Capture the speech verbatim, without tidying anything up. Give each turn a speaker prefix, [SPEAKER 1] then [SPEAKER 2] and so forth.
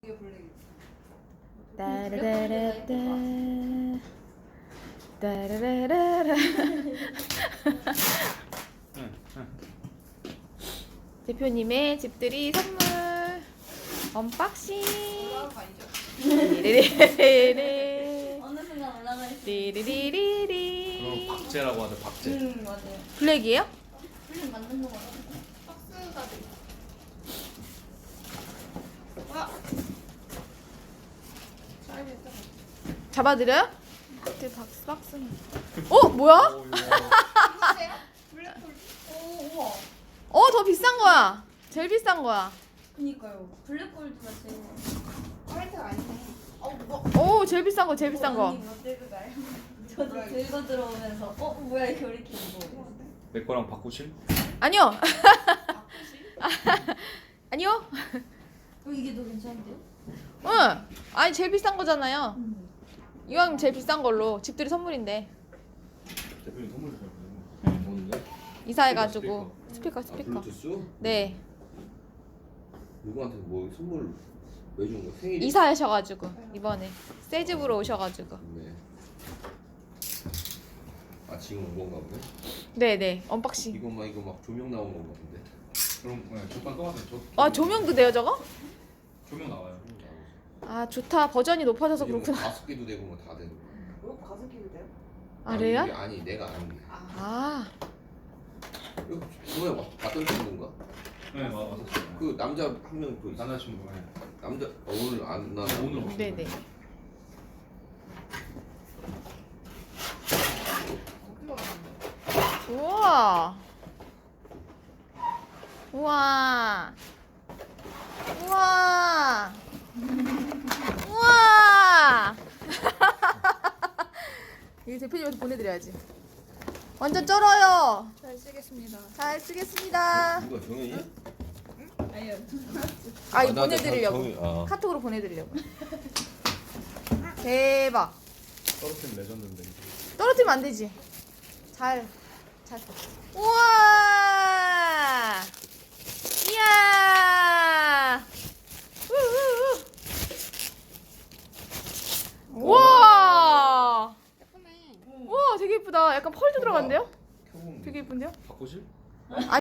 [SPEAKER 1] 따라라라따 따라라라라. 대표님의 집들이 선물 언박싱. 리리리리리
[SPEAKER 2] 어느 순간 올라가 있어.
[SPEAKER 1] 리리리리리.
[SPEAKER 3] 그럼 박제라고 하죠. 박제.
[SPEAKER 2] 응 맞아요.
[SPEAKER 1] 블랙이에요?
[SPEAKER 2] 플립 만든 거 같아.
[SPEAKER 4] 박스가 돼.
[SPEAKER 1] 잡아드려요? 그 박스 박스는. 어 뭐야?
[SPEAKER 3] 오, 이거.
[SPEAKER 4] 이거세요? 블랙홀.
[SPEAKER 2] 오 우와.
[SPEAKER 1] 어 더 비싼 거야. 제일 비싼 거야.
[SPEAKER 2] 그니까요. 블랙골드가 제일.
[SPEAKER 4] 화이트가 아니네. 어 뭐?
[SPEAKER 1] 오 제일 비싼 거 제일 비싼 거.
[SPEAKER 2] 언니 뭐 들고 가요? 저도 들고 들어오면서 어 뭐야 이렇게 왜 이렇게 무거워?
[SPEAKER 3] 내 거랑 바꾸실?
[SPEAKER 1] 아니요. 아니요.
[SPEAKER 2] 어 이게 더 괜찮은데요?
[SPEAKER 1] 응. 아니 제일 비싼 거잖아요.
[SPEAKER 2] 음.
[SPEAKER 1] 이왕 제일 비싼 걸로 집들이 선물인데
[SPEAKER 3] 대표님 선물 주세요.
[SPEAKER 5] 뭔데?
[SPEAKER 1] 이사해가지고 스피커
[SPEAKER 5] 아,
[SPEAKER 1] 스피커.
[SPEAKER 5] 블루투스?
[SPEAKER 1] 네.
[SPEAKER 5] 누구한테 뭐 선물 왜 준 거야? 생일이?
[SPEAKER 1] 이사하셔가지고 이번에 새 집으로 오셔가지고.
[SPEAKER 5] 네. 아 지금 온 건가 보네?
[SPEAKER 1] 네네 언박싱.
[SPEAKER 5] 이거 막 이거 막 조명 나온 건가 본데?
[SPEAKER 3] 그럼 네, 잠깐 떠나세요. 저
[SPEAKER 1] 아 조명도 돼요 저거?
[SPEAKER 3] 조명 나와요.
[SPEAKER 1] 아 좋다 버전이 높아져서
[SPEAKER 5] 이거 뭐
[SPEAKER 1] 그렇구나.
[SPEAKER 5] 가습기도 되고 뭐 다 되는 거야.
[SPEAKER 4] 뭐 가습기도 돼요?
[SPEAKER 1] 아
[SPEAKER 5] 이게
[SPEAKER 1] 레알?
[SPEAKER 5] 아니 내가 아는 게.
[SPEAKER 1] 아
[SPEAKER 5] 이거 저번에 와- 왔던 친구인가?
[SPEAKER 3] 네, 맞- 맞았어요.
[SPEAKER 5] 그 남자 한 명 그 있어.
[SPEAKER 3] 남자친구. 네.
[SPEAKER 5] 남자 어, 오늘 안 나.
[SPEAKER 3] 오늘 오신
[SPEAKER 1] 네네.
[SPEAKER 3] 거예요.
[SPEAKER 4] 어디가 갔는데?
[SPEAKER 1] 우와. 우와. 우와. 우와. 이거 대표님한테 보내드려야지. 완전 쩔어요.
[SPEAKER 4] 잘 쓰겠습니다.
[SPEAKER 1] 잘 쓰겠습니다.
[SPEAKER 5] 누가 정현이?
[SPEAKER 2] 아니요.
[SPEAKER 1] 아 이거
[SPEAKER 5] 나- 나
[SPEAKER 1] 보내드리려고.
[SPEAKER 5] 정현이- 아.
[SPEAKER 1] 카톡으로 보내드리려고. 대박.
[SPEAKER 3] 떨어뜨린 레전드인데.
[SPEAKER 1] 떨어뜨리면 안 되지. 잘, 잘. 우와! 이야! 우우우. 우와!
[SPEAKER 4] 예쁘네.
[SPEAKER 1] 우와, 되게 예쁘다. 약간 펄도 들어간대요?
[SPEAKER 5] 켜보면
[SPEAKER 1] 되게 예쁜데요?
[SPEAKER 3] 바꾸실?